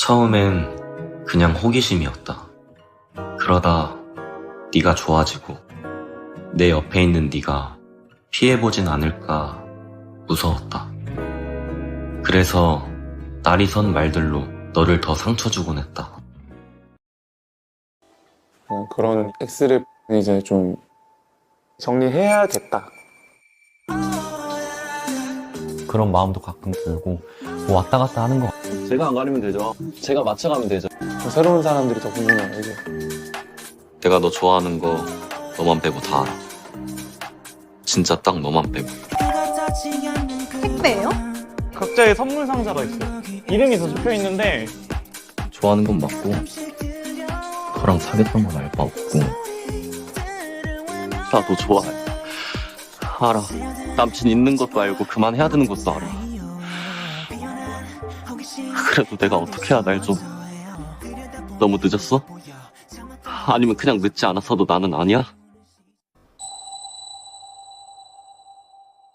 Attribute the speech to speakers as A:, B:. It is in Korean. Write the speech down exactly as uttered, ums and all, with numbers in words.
A: 처음엔 그냥 호기심이었다. 그러다 네가 좋아지고 내 옆에 있는 네가 피해보진 않을까 무서웠다. 그래서 날이 선 말들로 너를 더 상처 주곤 했다.
B: 어, 그런 X를 이제 좀 정리해야겠다.
C: 그런 마음도 가끔 들고 뭐 왔다 갔다 하는 것 같아요.
D: 제가 안 가리면 되죠. 제가 맞춰가면 되죠.
B: 새로운 사람들이 더 궁금해요, 이게.
A: 내가 너 좋아하는 거 너만 빼고 다 알아. 진짜 딱 너만 빼고.
E: 택배예요?
F: 각자의 선물 상자가 있어요. 이름이 더 적혀 있는데
A: 좋아하는 건 맞고 너랑 사귀었던 건 알 바 없고 나 너 좋아해. 알아. 남친 있는 것도 알고 그만해야 되는 것도 알아. 그래도 내가 어떻게 해야 날 좀. 너무 늦었어? 아니면 그냥 늦지 않았어도 나는 아니야?